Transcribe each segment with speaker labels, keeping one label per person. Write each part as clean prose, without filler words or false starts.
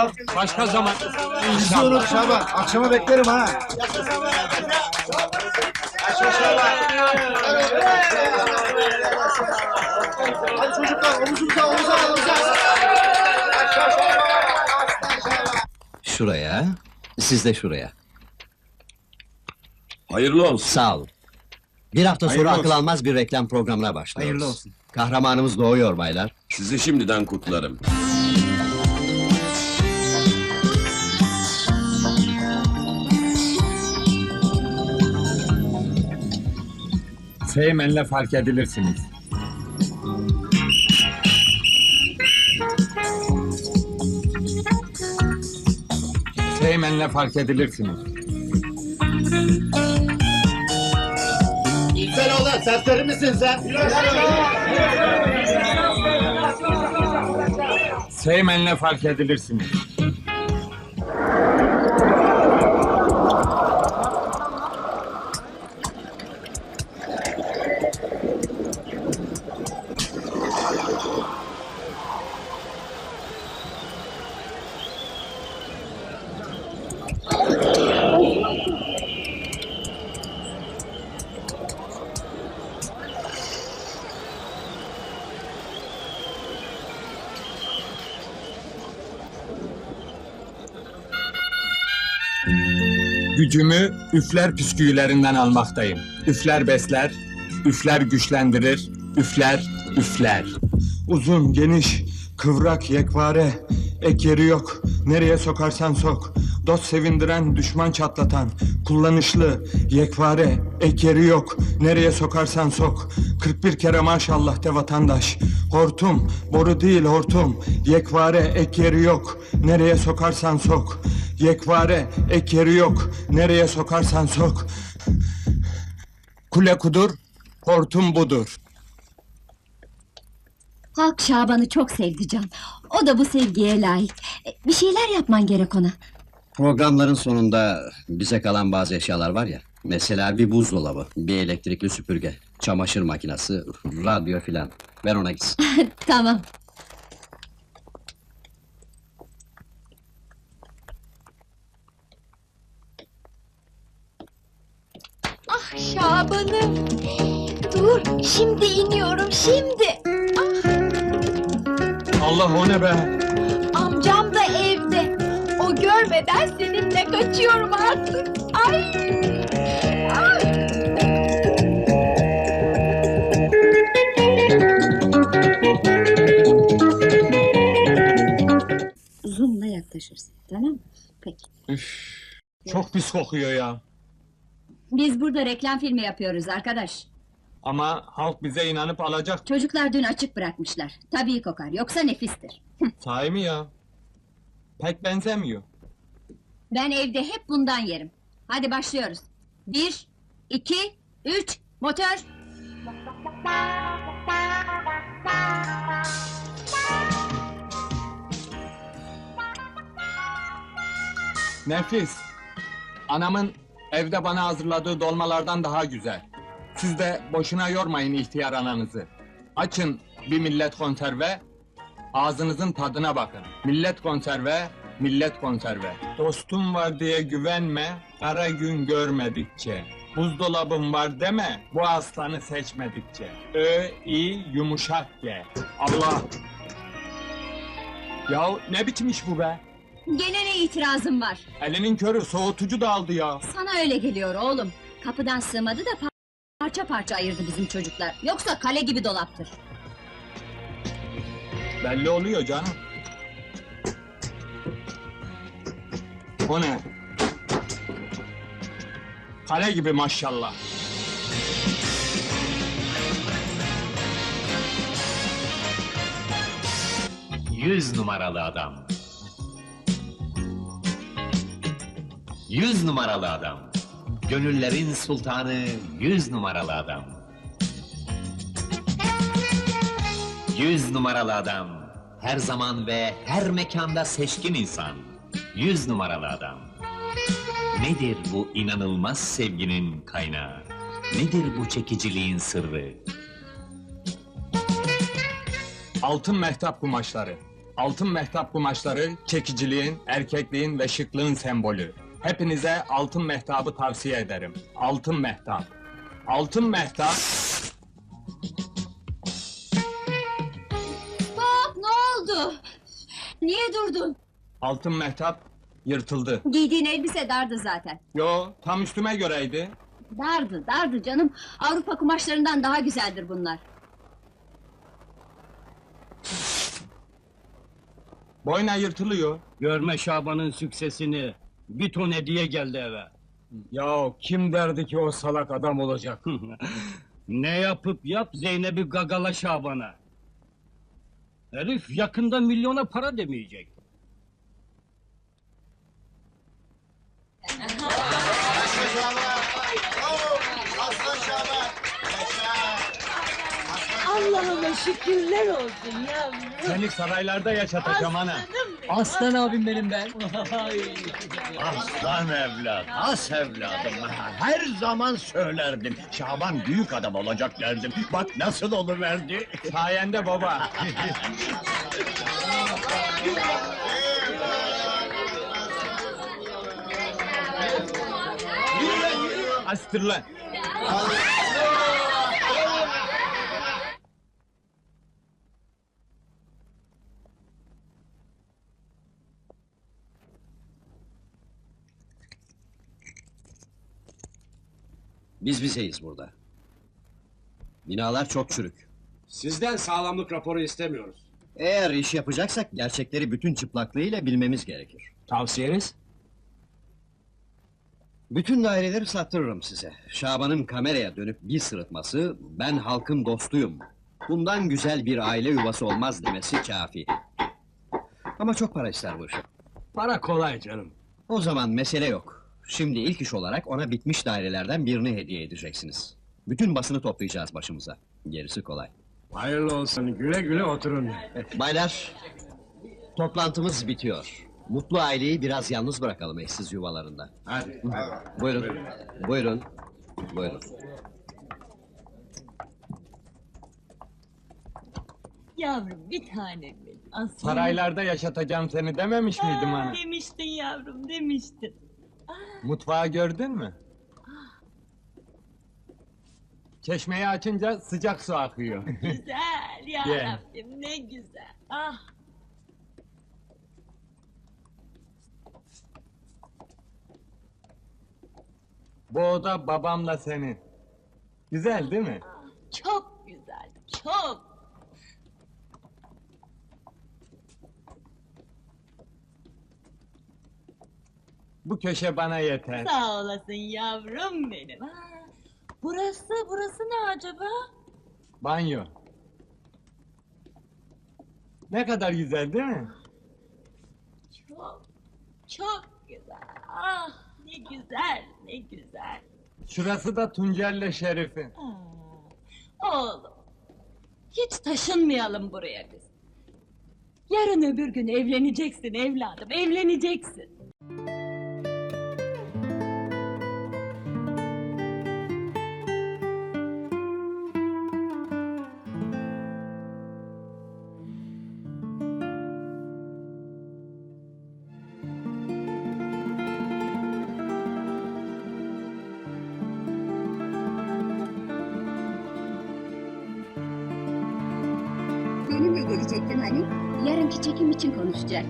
Speaker 1: ya. Başka zaman.
Speaker 2: Bizi unut Şaban. Akşama beklerim ha. Hadi çocuklar omuzumuza omuza.
Speaker 3: Şuraya, siz de şuraya.
Speaker 4: Hayırlı olsun.
Speaker 3: Sağ olun. Bir hafta sonra
Speaker 1: Hayırlı
Speaker 3: akıl
Speaker 1: olsun.
Speaker 3: almaz bir reklam programına başlıyoruz.
Speaker 1: Hayırlı olsun.
Speaker 3: Kahramanımız doğuyor baylar.
Speaker 4: Sizi şimdiden kutlarım.
Speaker 1: Seymen'le fark edilirsiniz. Seymen'le fark edilirsiniz.
Speaker 2: Sen oğlan serseri misin sen?
Speaker 1: Seymen'le fark edilirsiniz. Gücümü üfler püsküllerinden almaktayım. Üfler besler, üfler güçlendirir, üfler. Uzun, geniş, kıvrak, yekpare, ek yeri yok. Nereye sokarsan sok. Dost sevindiren, düşman çatlatan, kullanışlı, yekpare, ek yeri yok. Nereye sokarsan sok. 41 kere maşallah de vatandaş. Hortum, boru değil hortum. Yekpare, ek yeri yok. Nereye sokarsan sok. Yekpare, ek yeri yok. Nereye sokarsan sok. Kule kudur, hortum budur.
Speaker 5: Halk Şaban'ı çok sevdi Can. O da bu sevgiye layık. Bir şeyler yapman gerek ona.
Speaker 3: Programların sonunda bize kalan bazı eşyalar var ya. Mesela bir buzdolabı, bir elektrikli süpürge, çamaşır makinesi, radyo filan. Ver ona gitsin.
Speaker 5: Tamam. Ah Şaban'ım! Dur, şimdi iniyorum, şimdi!
Speaker 1: Allah o ne be?
Speaker 5: Amcam da evde. O görmeden seninle kaçıyorum artık. Ay! Ay! Zoom'la yaklaşırsın, tamam mı? Peki.
Speaker 1: Çok pis kokuyor ya.
Speaker 5: Biz burada reklam filmi yapıyoruz arkadaş.
Speaker 1: Ama halk bize inanıp alacak.
Speaker 5: Çocuklar dün açık bırakmışlar. Tabii kokar, yoksa nefistir.
Speaker 1: Sahi mi ya? Pek benzemiyor.
Speaker 5: Ben evde hep bundan yerim. Hadi başlıyoruz. 1, 2, 3, motor!
Speaker 1: Nefis. Anamın evde bana hazırladığı dolmalardan daha güzel. Siz de boşuna yormayın ihtiyar ananızı. Açın bir millet konserve, ağzınızın tadına bakın. Millet konserve, millet konserve. Dostum var diye güvenme, kara gün görmedikçe. Buzdolabım var deme, bu aslanı seçmedikçe. İ, yumuşak G. Allah! Ya ne biçim iş bu be?
Speaker 5: Gene ne itirazım var?
Speaker 1: Elinin körü soğutucu da aldı ya.
Speaker 5: Sana öyle geliyor oğlum. Kapıdan sığmadı da parça parça ayırdı bizim çocuklar. Yoksa kale gibi dolaptır.
Speaker 1: Belli oluyor canım. O ne? Kale gibi maşallah.
Speaker 6: Yüz numaralı adam. 100 numaralı adam. Gönüllerin sultanı 100 numaralı adam. 100 numaralı adam. Her zaman ve her mekanda seçkin insan. 100 numaralı adam. Nedir bu inanılmaz sevginin kaynağı? Nedir bu çekiciliğin sırrı?
Speaker 1: Altın mehtap kumaşları. Altın mehtap kumaşları, çekiciliğin, erkekliğin ve şıklığın sembolü. Hepinize altın mehtabı tavsiye ederim. Altın mehtap. Altın mehtap...
Speaker 5: Bak ne oldu? Niye durdun?
Speaker 1: Altın mehtap yırtıldı.
Speaker 5: Giydiğin elbise dardı zaten.
Speaker 1: Yo, tam üstüme göreydi.
Speaker 5: Dardı canım. Avrupa kumaşlarından daha güzeldir bunlar.
Speaker 1: Boyna yırtılıyor.
Speaker 4: Görme Şaban'ın süksesini. Bir ton hediye geldi eve.
Speaker 1: Ya kim derdi ki o salak adam olacak?
Speaker 4: Ne yapıp yap Zeynep'i gagala Şaban'a. Herif yakında milyona para demeyecek.
Speaker 2: Aslan Şaban.
Speaker 7: Allah'ıma şükürler olsun yavrum.
Speaker 1: Seni saraylarda yaşatacağım ana.
Speaker 7: Aslan abim benim ben.
Speaker 8: Aslan evlat, as evladım. Her zaman söylerdim. Şaban büyük adam olacak derdim. Bak nasıl oluverdi.
Speaker 1: Sayende baba. Astır lan.
Speaker 3: Biz bizeyiz burada. Binalar çok çürük.
Speaker 9: Sizden sağlamlık raporu istemiyoruz.
Speaker 3: Eğer iş yapacaksak gerçekleri bütün çıplaklığıyla bilmemiz gerekir.
Speaker 1: Tavsiyeniz?
Speaker 3: Bütün daireleri sattırırım size. Şaban'ın kameraya dönüp bir sırıtması, ben halkın dostuyum. Bundan güzel bir aile yuvası olmaz demesi kafi. Ama çok para ister bu iş.
Speaker 4: Para kolay canım.
Speaker 3: O zaman mesele yok. Şimdi ilk iş olarak ona bitmiş dairelerden birini hediye edeceksiniz. Bütün basını toplayacağız başımıza. Gerisi kolay.
Speaker 4: Hayırlı olsun, güle güle oturun.
Speaker 3: Baylar, toplantımız bitiyor. Mutlu aileyi biraz yalnız bırakalım eşsiz yuvalarında.
Speaker 4: Hadi.
Speaker 3: Buyurun, buyurun, buyurun.
Speaker 7: Yavrum bir tanem benim. Aslan.
Speaker 1: Saraylarda yaşatacağım seni dememiş miydim ana?
Speaker 7: Demiştin yavrum demiştin.
Speaker 1: Mutfağı gördün mü? Çeşmeyi açınca sıcak su akıyor.
Speaker 7: Güzel ya
Speaker 1: Ye.
Speaker 7: Rabbim ne güzel. Ah
Speaker 1: Bu oda babamla senin. Güzel değil mi?
Speaker 7: çok güzel çok.
Speaker 1: Bu köşe bana yeter.
Speaker 7: Sağ olasın yavrum benim. Burası ne acaba?
Speaker 1: Banyo. Ne kadar güzel değil mi?
Speaker 7: Çok güzel. Ah ne güzel ne güzel.
Speaker 1: Şurası da Tuncer'le Şerif'in.
Speaker 7: Oğlum, hiç taşınmayalım buraya biz. Yarın öbür gün evleneceksin evladım, evleneceksin.
Speaker 5: Benimle gelecektin hani? Yarınki çekim için konuşacak.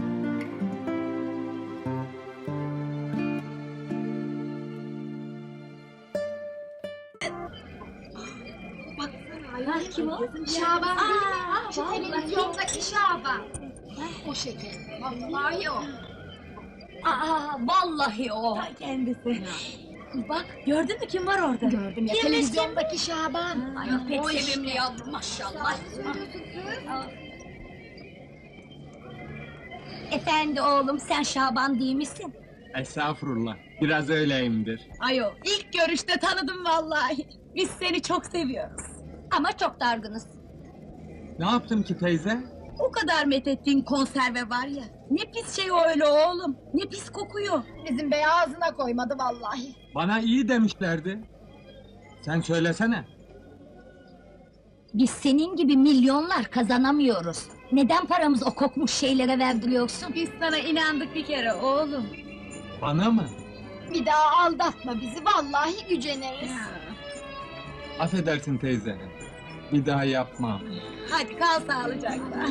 Speaker 5: Ay kim o?
Speaker 10: Şaban değil mi? Şu televizyondaki Şaban. O şeker. Vallahi o.
Speaker 7: Vallahi o. Kendisi. Bak, gördün mü kim var orada?
Speaker 10: Gördüm ya televizyondaki Şaban.
Speaker 7: Ay, pek
Speaker 10: o
Speaker 7: sevimli
Speaker 10: işte.
Speaker 7: yavrum maşallah. Efendi oğlum sen Şaban değil misin?
Speaker 1: Estağfurullah. Biraz öyleyimdir.
Speaker 7: Ayo ilk görüşte tanıdım vallahi. Biz seni çok seviyoruz. Ama çok dargınız.
Speaker 1: Ne yaptım ki teyze?
Speaker 7: O kadar methettiğin konserve var ya. Ne pis şey o öyle oğlum. Ne pis kokuyor.
Speaker 10: Bizim bey ağzına koymadı vallahi.
Speaker 1: Bana iyi demişlerdi. Sen söylesene.
Speaker 7: Biz senin gibi milyonlar kazanamıyoruz. Neden paramızı o kokmuş şeylere verdiriyorsun?
Speaker 5: Biz sana inandık bir kere oğlum.
Speaker 1: Bana mı?
Speaker 10: Bir daha aldatma bizi, vallahi güceneriz.
Speaker 1: Affedersin teyze. Bir daha yapmam.
Speaker 5: Hadi kal sağlıcakla.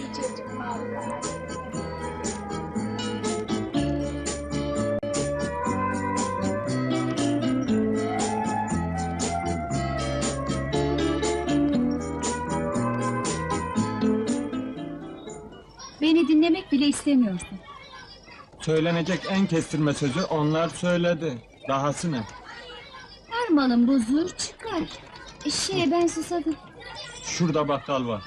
Speaker 5: Beni dinlemek bile istemiyorsun.
Speaker 1: Söylenecek en kestirme sözü onlar söyledi. Dahası ne?
Speaker 5: Her malın bozulur çıkar. Ben susadım.
Speaker 1: Şurada bakkal var.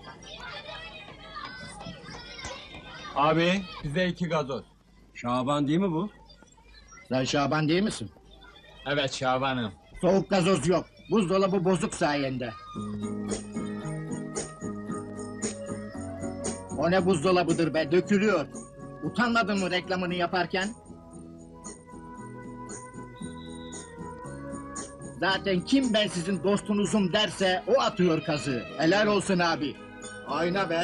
Speaker 1: Abi bize 2 gazoz.
Speaker 3: Şaban değil mi bu?
Speaker 8: Sen Şaban değil misin?
Speaker 1: Evet Şaban'ım.
Speaker 8: Soğuk gazoz yok. Buzdolabı bozuk sayende. O ne buzdolabıdır be, dökülüyor. Utanmadın mı reklamını yaparken? Zaten kim ben sizin dostunuzum derse o atıyor kazığı. Helal olsun abi. Ayna be.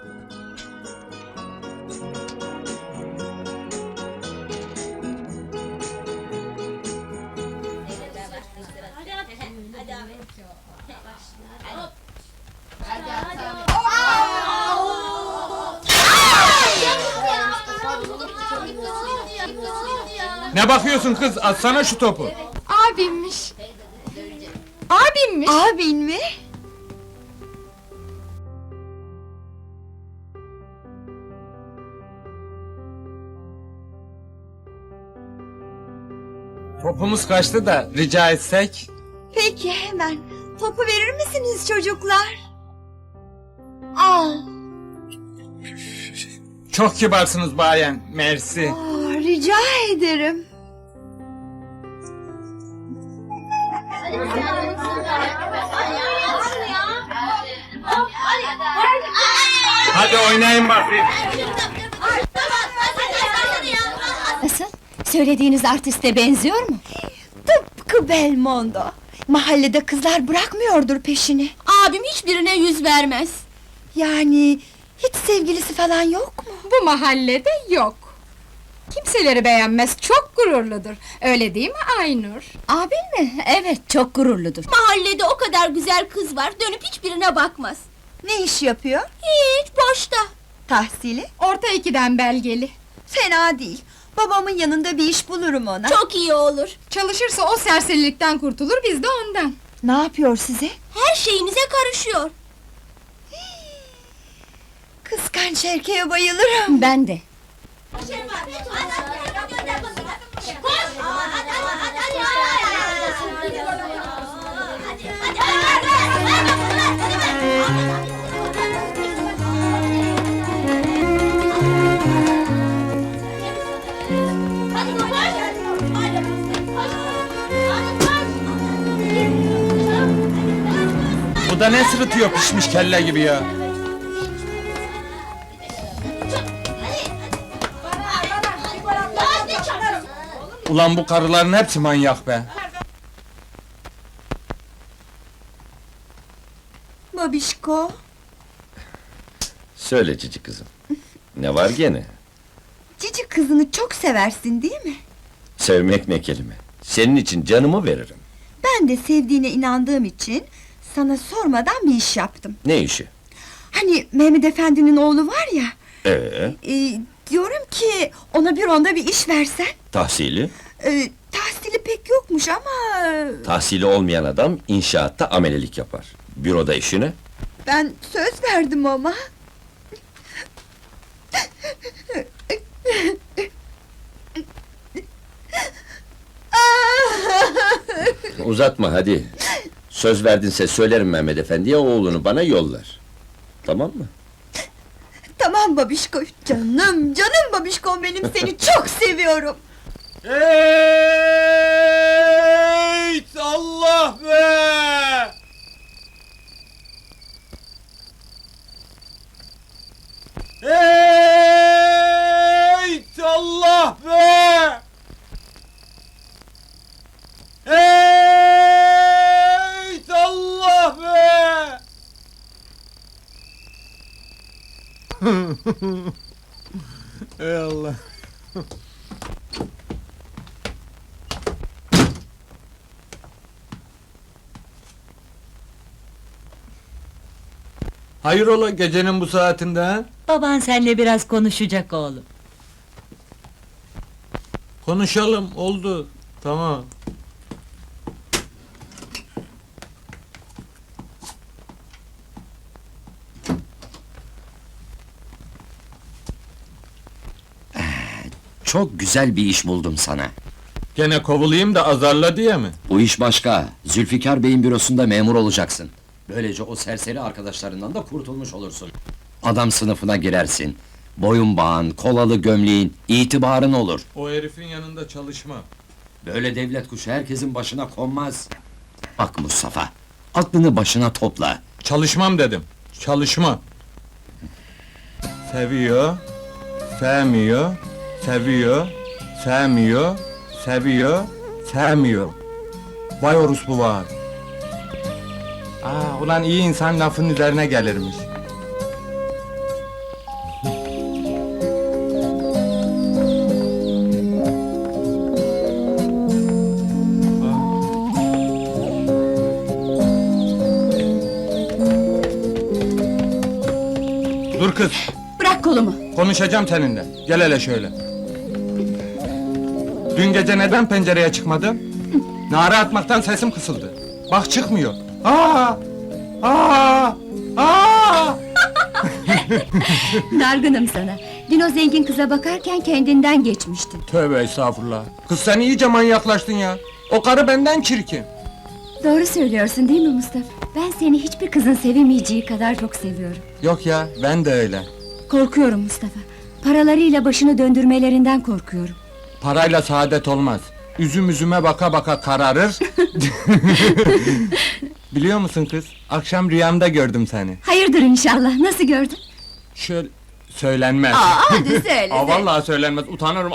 Speaker 1: Ne bakıyorsun kız? Atsana şu topu.
Speaker 10: Abimmiş. Abimmiş.
Speaker 7: Abin mi?
Speaker 1: Topumuz kaçtı da rica etsek.
Speaker 7: Peki hemen. Topu verir misiniz çocuklar? Al.
Speaker 1: Çok kibarsınız bayan. Mersi.
Speaker 7: Rica ederim.
Speaker 1: Hadi oynayın bakayım.
Speaker 7: Nasıl? Söylediğiniz artiste benziyor mu? Tıpkı Belmondo. Mahallede kızlar bırakmıyordur peşini. Abim hiçbirine yüz vermez. Yani hiç sevgilisi falan yok mu?
Speaker 10: Bu mahallede yok. Kimseleri beğenmez, çok gururludur. Öyle değil mi Aynur?
Speaker 7: Abin mi? Evet, çok gururludur.
Speaker 5: Mahallede o kadar güzel kız var, dönüp hiçbirine bakmaz.
Speaker 7: Ne iş yapıyor?
Speaker 5: Hiç, boşta.
Speaker 7: Tahsili?
Speaker 10: Orta ikiden belgeli.
Speaker 7: Fena değil. Babamın yanında bir iş bulurum ona.
Speaker 5: Çok iyi olur.
Speaker 10: Çalışırsa o serserilikten kurtulur, biz de ondan.
Speaker 7: Ne yapıyor size?
Speaker 5: Her şeyimize karışıyor.
Speaker 7: Kıskanç erkeğe bayılırım. Ben de.
Speaker 1: Bu da ne sırıtıyor pişmiş kelle gibi ya. Ulan bu karıların hepsi manyak be.
Speaker 7: Babişko.
Speaker 11: Söyle cici kızım. Ne var gene?
Speaker 7: Cici kızını çok seversin değil mi?
Speaker 11: Sevmek ne kelime. Senin için canımı veririm.
Speaker 7: Ben de sevdiğine inandığım için sana sormadan bir iş yaptım.
Speaker 11: Ne işi?
Speaker 7: Hani Mehmet Efendi'nin oğlu var ya. Diyorum ki ona bir onda bir iş versen.
Speaker 11: Tahsili?
Speaker 7: Tahsili pek yokmuş ama...
Speaker 11: Tahsili olmayan adam inşaatta amelelik yapar. Büroda işine.
Speaker 7: Ben söz verdim ama.
Speaker 11: Uzatma hadi. Söz verdinse söylerim Mehmet Efendi'ye, oğlunu bana yollar. Tamam mı?
Speaker 7: Tamam babişko, canım babişkom benim, seni çok seviyorum.
Speaker 1: Ey Allah be! Ey Allah be! Ey Allah be! Ey Allah. Hayrola gecenin bu saatinde ha?
Speaker 12: Baban seninle biraz konuşacak oğlum.
Speaker 1: Konuşalım, oldu. Tamam.
Speaker 3: Çok güzel bir iş buldum sana.
Speaker 1: Gene kovulayım da azarla diye mi?
Speaker 3: Bu iş başka. Zülfikar Bey'in bürosunda memur olacaksın. Böylece o serseri arkadaşlarından da kurtulmuş olursun. Adam sınıfına girersin. Boyun bağın, kolalı gömleğin, itibarın olur.
Speaker 1: O herifin yanında çalışma.
Speaker 3: Böyle devlet kuşu herkesin başına konmaz. Bak Mustafa, aklını başına topla.
Speaker 1: Çalışmam dedim. Çalışma. Seviyor, sevmiyor, seviyor, sevmiyor, seviyor, sevmiyor. Vay orospu var. Ulan iyi insan lafın üzerine gelirmiş. Dur kız,
Speaker 7: Bırak kolumu.
Speaker 1: konuşacağım seninle. Gel hele şöyle. Dün gece neden pencereye çıkmadın? Nara atmaktan sesim kısıldı. Bak çıkmıyor. Aa! Aa! Aa!
Speaker 7: Dargınım sana. Dün o zengin kıza bakarken kendinden geçmiştin.
Speaker 1: Tövbe estağfurullah. Kız sen iyice manyaklaştın ya. O karı benden çirkin.
Speaker 7: Doğru söylüyorsun değil mi Mustafa? Ben seni hiçbir kızın sevemeyeceği kadar çok seviyorum.
Speaker 1: Yok ya, ben de öyle.
Speaker 7: Korkuyorum Mustafa. Paralarıyla başını döndürmelerinden korkuyorum.
Speaker 1: Parayla saadet olmaz. Üzüm üzüme baka baka kararır. Biliyor musun kız? Akşam rüyamda gördüm seni.
Speaker 7: Hayırdır inşallah, nasıl gördün?
Speaker 1: Şöyle... Söylenmez.
Speaker 7: Hadi söyle.
Speaker 1: Vallahi söylenmez, utanırım.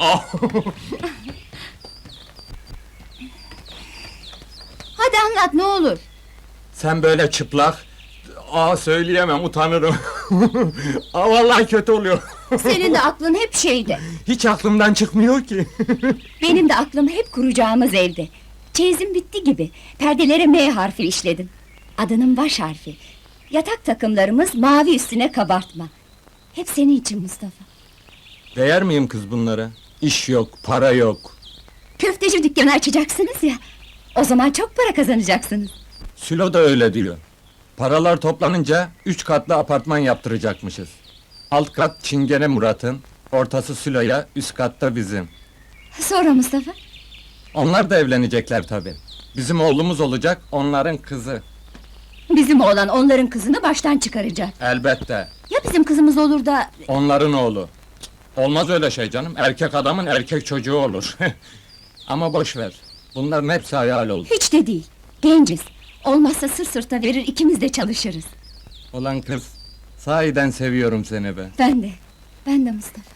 Speaker 7: Hadi anlat ne olur.
Speaker 1: Sen böyle çıplak... söyleyemem, utanırım. Vallahi kötü oluyor.
Speaker 7: Senin de aklın hep şeyde.
Speaker 1: Hiç aklımdan çıkmıyor ki.
Speaker 7: Benim de aklım hep kuracağımız evde. Çeyizim bitti gibi. Perdelere M harfi işledim. Adının baş harfi. Yatak takımlarımız mavi üstüne kabartma. Hep senin için Mustafa.
Speaker 1: Değer miyim kız bunlara? İş yok, para yok.
Speaker 7: Köfteci dükkanı açacaksınız ya. O zaman çok para kazanacaksınız.
Speaker 1: Sülo da öyle diyor. Paralar toplanınca 3 katlı apartman yaptıracakmışız. Alt kat Çingene Murat'ın, ortası Sülo'ya, üst katta bizim.
Speaker 7: Sonra Mustafa?
Speaker 1: Onlar da evlenecekler tabii. Bizim oğlumuz olacak, onların kızı.
Speaker 7: Bizim oğlan onların kızını baştan çıkaracak.
Speaker 1: Elbette.
Speaker 7: Ya bizim kızımız olur da...
Speaker 1: Onların oğlu. Olmaz öyle şey canım, erkek adamın erkek çocuğu olur. Ama boş ver. Bunların hepsi hayal oldu.
Speaker 7: Hiç de değil. Genciz. Olmazsa sırt sırta verir ikimiz de çalışırız.
Speaker 1: Olan kız, sahiden seviyorum seni be.
Speaker 7: Ben de. Ben de Mustafa.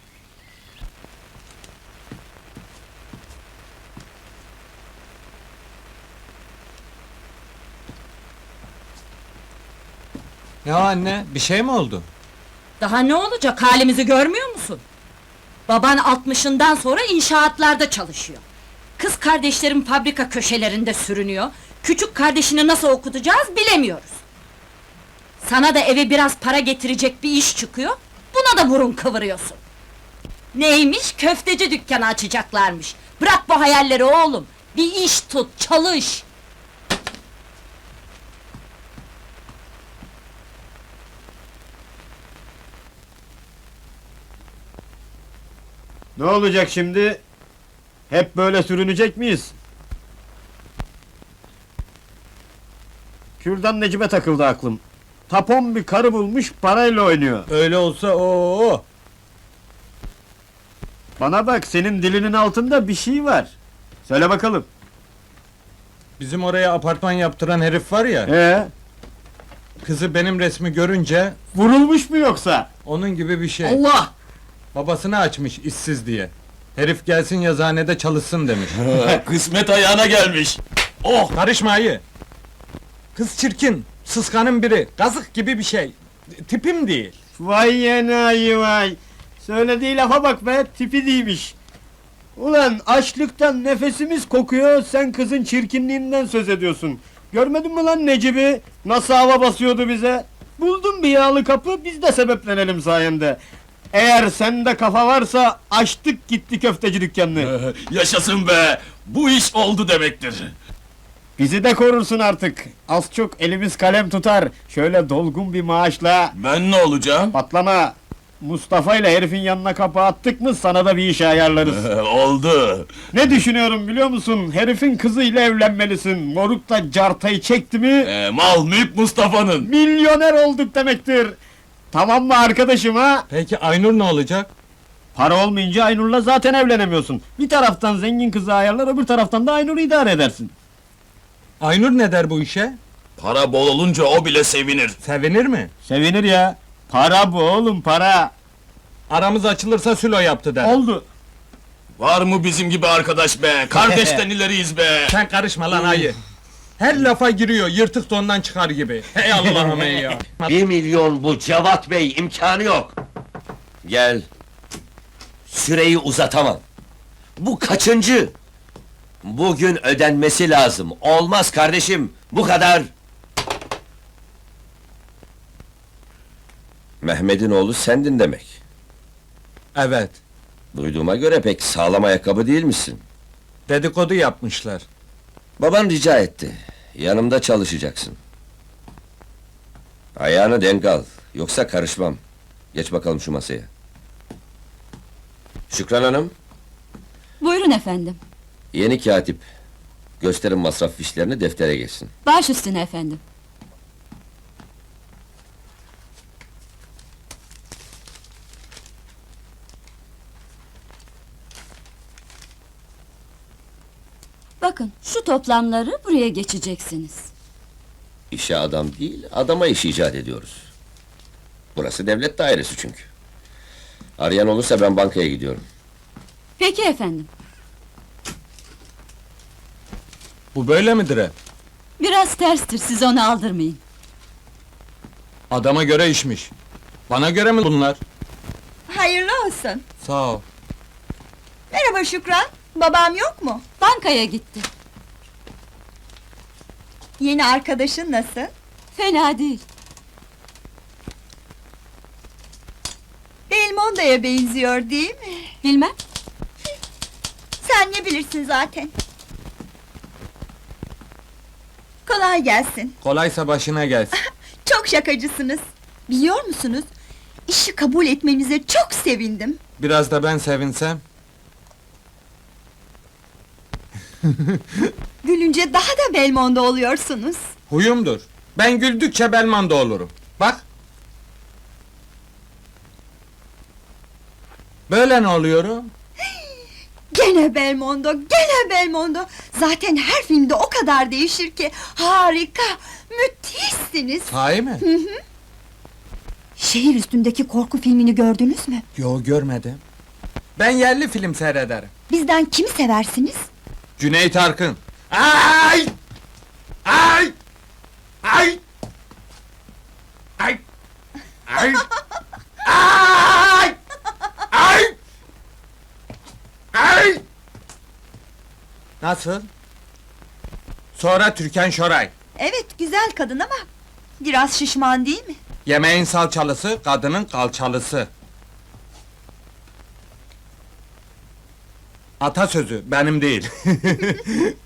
Speaker 1: Ya anne, bir şey mi oldu?
Speaker 12: Daha ne olacak, halimizi görmüyor musun? Baban 60'ından sonra inşaatlarda çalışıyor. Kız kardeşlerim fabrika köşelerinde sürünüyor. Küçük kardeşini nasıl okutacağız bilemiyoruz. Sana da eve biraz para getirecek bir iş çıkıyor, buna da burun kıvırıyorsun. Neymiş, köfteci dükkanı açacaklarmış. Bırak bu hayalleri oğlum, bir iş tut, çalış!
Speaker 8: Ne olacak şimdi? Hep böyle sürünecek miyiz? Kürdan Necip'e takıldı aklım. Tapon bir karı bulmuş, parayla oynuyor.
Speaker 1: Öyle olsa o.
Speaker 8: Bana bak, senin dilinin altında bir şey var. Söyle bakalım.
Speaker 1: Bizim oraya apartman yaptıran herif var ya, kızı benim resmi görünce
Speaker 8: Vurulmuş mu yoksa?
Speaker 1: onun gibi bir şey.
Speaker 12: Allah!
Speaker 1: Babasını açmış işsiz diye. Herif gelsin yazıhanede çalışsın demiş.
Speaker 8: Kısmet ayağına gelmiş.
Speaker 1: Oh, karışma ayı! Kız çirkin, sıskanın biri, kazık gibi bir şey. Tipim değil.
Speaker 13: Vay yenayi vay! Söylediği lafa bak be, tipi değilmiş. Ulan açlıktan nefesimiz kokuyor, sen kızın çirkinliğinden söz ediyorsun. Görmedin mi lan Necip'i? Nasıl hava basıyordu bize? Buldum bir yağlı kapı, biz de sebeplenelim sayende. Eğer sende kafa varsa, açtık gitti köfteci dükkanını.
Speaker 8: Yaşasın be! Bu iş oldu demektir.
Speaker 13: Bizi de korursun artık. Az çok elimiz kalem tutar. Şöyle dolgun bir maaşla...
Speaker 8: Ben ne olacağım?
Speaker 13: Patlama! Mustafa ile herifin yanına kapı attık mı sana da bir iş ayarlarız.
Speaker 8: Oldu.
Speaker 13: Ne düşünüyorum biliyor musun? Herifin kızıyla evlenmelisin. Moruk da cartayı çekti mi...
Speaker 8: Mal mülk Mustafa'nın.
Speaker 13: Milyoner olduk demektir. Tamam mı arkadaşım ha?
Speaker 1: Peki Aynur ne olacak?
Speaker 13: Para olmayınca Aynur'la zaten evlenemiyorsun. Bir taraftan zengin kızı ayarlar, öbür taraftan da Aynur'u idare edersin.
Speaker 1: Aynur ne der bu işe?
Speaker 8: Para bol olunca o bile sevinir.
Speaker 1: Sevinir mi?
Speaker 13: Sevinir ya. Para bu oğlum, para.
Speaker 1: Aramız açılırsa sülo yaptı der.
Speaker 13: Oldu.
Speaker 8: Var mı bizim gibi arkadaş be? Kardeşten ileriyiz be!
Speaker 1: Sen karışma lan ayı. Her lafa giriyor, yırtık dondan çıkar gibi. Hey Allah'ım ey ya.
Speaker 11: 1 milyon bu Cevat Bey, imkanı yok. Gel. Süreyi uzatamam. Bu kaçıncı? Bugün ödenmesi lazım. Olmaz kardeşim, bu kadar. Mehmet'in oğlu sendin demek.
Speaker 1: Evet,
Speaker 11: Duyduğuma göre pek sağlam ayakkabı değil misin?
Speaker 1: dedikodu yapmışlar.
Speaker 11: Baban rica etti. Yanımda çalışacaksın. Ayağını denk al. Yoksa karışmam. Geç bakalım şu masaya. Şükran Hanım,
Speaker 12: Buyurun efendim.
Speaker 11: yeni katip. Gösterin masraf fişlerini, deftere geçsin.
Speaker 12: Baş üstüne efendim. Bakın, şu toplamları buraya geçeceksiniz.
Speaker 11: İşe adam değil, adama iş icat ediyoruz. Burası devlet dairesi çünkü. Arayan olursa ben bankaya gidiyorum.
Speaker 12: Peki efendim.
Speaker 1: Bu böyle midir hep?
Speaker 12: Biraz terstir, siz onu aldırmayın.
Speaker 1: Adama göre işmiş. Bana göre mi bunlar?
Speaker 7: Hayırlı olsun.
Speaker 1: Sağ ol.
Speaker 7: Merhaba Şükran, babam yok mu?
Speaker 12: Bankaya gitti.
Speaker 7: Yeni arkadaşın nasıl?
Speaker 12: Fena değil.
Speaker 7: Belmondo'ya benziyor değil mi?
Speaker 12: Bilmem.
Speaker 7: Sen ne bilirsin zaten. Kolay gelsin.
Speaker 1: Kolaysa başına gelsin.
Speaker 7: Çok şakacısınız. Biliyor musunuz? İşi kabul etmenize çok sevindim.
Speaker 1: Biraz da ben sevinsem.
Speaker 7: Gülünce daha da Belmondo oluyorsunuz.
Speaker 1: Huyumdur. Ben güldükçe Belmondo olurum. Bak. Böyle ne oluyorum?
Speaker 7: Gene Belmondo, gene Belmondo. Zaten her filmde o kadar değişir ki. Harika, müthişsiniz.
Speaker 1: Sahi mi?
Speaker 7: Şehir üstündeki korku filmini gördünüz mü?
Speaker 1: Yo, görmedim. Ben yerli film seyrederim.
Speaker 7: Bizden kimi seversiniz?
Speaker 1: Cüneyt Arkın. Ay! Ay! Ay! Ay! Ay! Ay! Ay! Ay! Nasıl? Sonra Türkan Şoray.
Speaker 7: Evet, güzel kadın ama biraz şişman değil mi?
Speaker 1: Yemeğin salçalısı, kadının kalçalısı. Atasözü, benim değil.